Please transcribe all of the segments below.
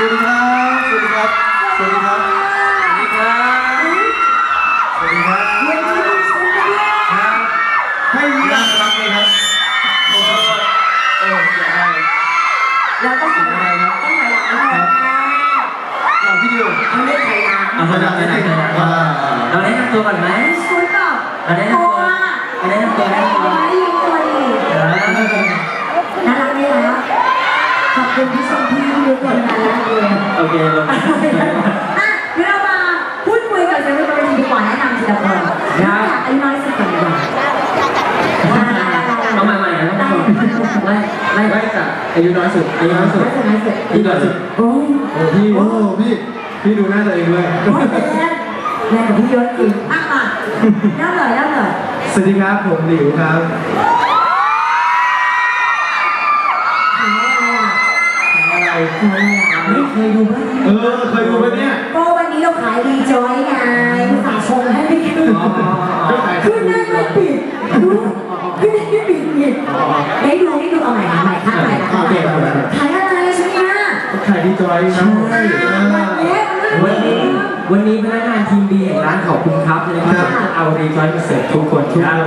วัสดีครับสวัสดีครับสวัสดีครับสวัสดีครับสวัสดีครับให้ยังรับเลยครับเราต้องถ่ายอะไรครับต้องถ่ายหลังนะครับพี่ดิวต้องเล่นถ่ายหลังเอาไปไหนเราแนะนำตัวก่อนไหมคุณเปล่าเราแนะนำตัวเราแนะนำตัวได้ไหมยืนตัวดีน่ารักไหมล่ะขอบคุณที่ชมพี่ทุกคนนะโอเคลงเดี๋ยวเรามาพูดคุยกับเซเว่นบริษัทดีกว่าแนะนำทีละคนอยากอายุน้อยสุดก่อนดีกว่าเอาใหม่ๆนะท่านผู้ชมไล่จากอายุน้อยสุดอายุน้อยสุดที่น้อยสุดโอ้พี่ดูหน้าตัวเองด้วยแรงกับพี่เยอะจริงอ่ะมาเล่าเลยสวัสดีครับผมหลิวครับไม่เคยดูบ้างเคยดูไหมเนี่ยก็วันนี้เราขายดีจอยไงฝากชมให้ไม่ขึ้นขึ้นได้ไม่ปิดดูขึ้นได้ไม่ปิดอีกได้ดูเอาใหม่ค่ะใหม่ขายอะไรชิ้นเนี้ยขายดีจอยนะวันนี้พนักงานทีมดีแห่งร้านขอบคุณครับนะครับเอาดีจอยมาเสิร์ฟทุกคนทุกท่าน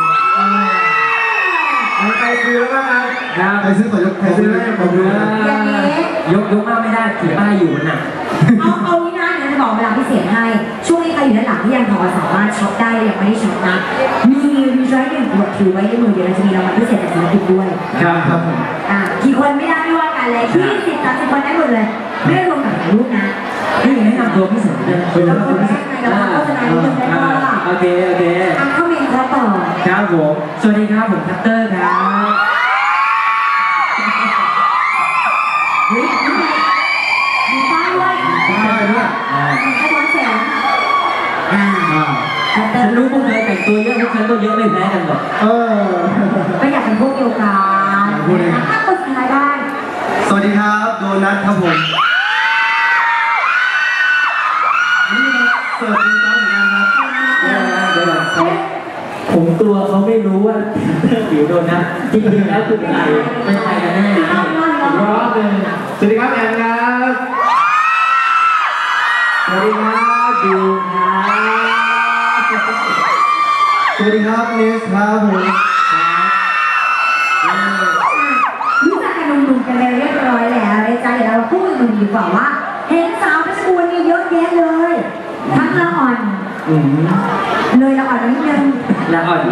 ใครซื้อแล้วบ้างครับใครซื้อต่อยกใครซื้อแล้วผมดูยกมากไม่ได้ถือป้ายอยู่น่ะเอานี่นะจะบอกเวลาพิเศษให้ช่วงนี้ใครอยู่ด้านหลังที่ยังพอสามารถช็อปได้ยังไม่ได้ช็อปนะมีรีไซเคิลขวดถือไว้ในมือเดี๋ยวเราจะมีรางวัลพิเศษจากศิลปินด้วยครับผมกี่คนไม่ได้ไม่ว่ากันเลย20-30 คนได้หมดเลยไม่ได้รวมกับถ่ายรูปนะนี่แนะนำตัวพิเศษแล้วคนแรกในเราโฆษณาที่จะได้ว่าโอเคเข้าเมนครับต่อครับผมสวัสดีครับผมคัตเตอร์ครับมีป้ายด้วยให้ร้อนแสงฉันรู้พวกเธอแต่งตัวเยอะพวกฉันก็เยอะไม่แพ้กันหรอกไม่อยากเป็นพวกเดียวกันถ้าคนสุดท้ายได้สวัสดีครับโดนัทครับผมสวัสดีครับเหมือนกันครับผมตัวเขาไม่รู้ว่าผิวโดนนะจริงๆแล้วคือใครเป็นใครกันแน่รอบหนึ่งสวัสดีครับแอนครับสวัสดีครับดูครับสวัสดีครับเนสครับผมรู้จักกันหนุ่มๆกันเรียบร้อยแล้วในใจเราพูดหนุ่มดีกว่าว่าเห็นสาวเพชรบูรณ์นี่เยอะแยะเลยทั้งละอ่อนเลยละอ่อนนิดนึงละอ่อน